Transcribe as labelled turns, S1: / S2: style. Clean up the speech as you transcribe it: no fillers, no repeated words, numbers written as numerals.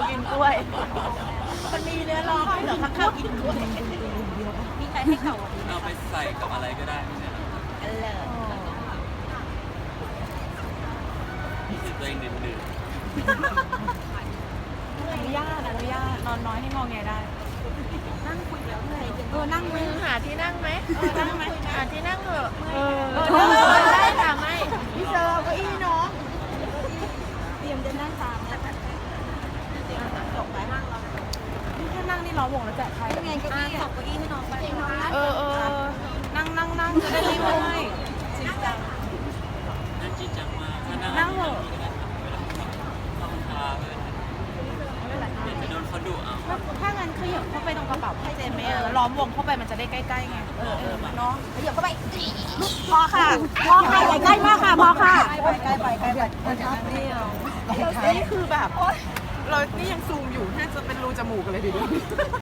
S1: กินกล้วยมันมีเนื้อร้องเหรอข้าวกินกล้วยมีใครให้เก่า
S2: เอาไปใส่กับอะไรก็ได้ไม่ใช่เหรอ
S1: อันเลย
S2: รู้สึกตัวเองดื่น
S1: อนุญาตนอนน้อยให้งอแงได้นั่งคุยแล้วเหนื่อยนั่งไหมหาที่นั่งไหมนั่งไหมหาที่นั่งเถอะได้ค่ะไม่พี่เซอร์เก้าอี้น้องเตรียมจะนั่งตามแล้วจบไปนั่งเรานี่แค่นั่งนี่ล้อวงแล้วแจกใครไงเก้าอี้ตบเก้าอี้ให้น้องไปนั่งจะได้ไม่เมื่อยจริงจัง
S2: ๆนั่นจริงจังมากถ้า
S1: นั่งเหรอ
S2: ต้องทาเลยเดี๋ยวจะโดนเขาดุเอา
S1: ถ้างั้นขยับเข้าไปตรงกระเป๋าให้เจนไหมล้อมวงเข้าไปมันจะได้ใกล้ๆไงเนาะขยับเข้าไปพอค่ะอย่าใกล้มากค่ะพอค่ะใกล้ไปนี่คือแบบเรานี่ยังซูมอยู่น่าจะเป็นรูจมูกกันเลยดิ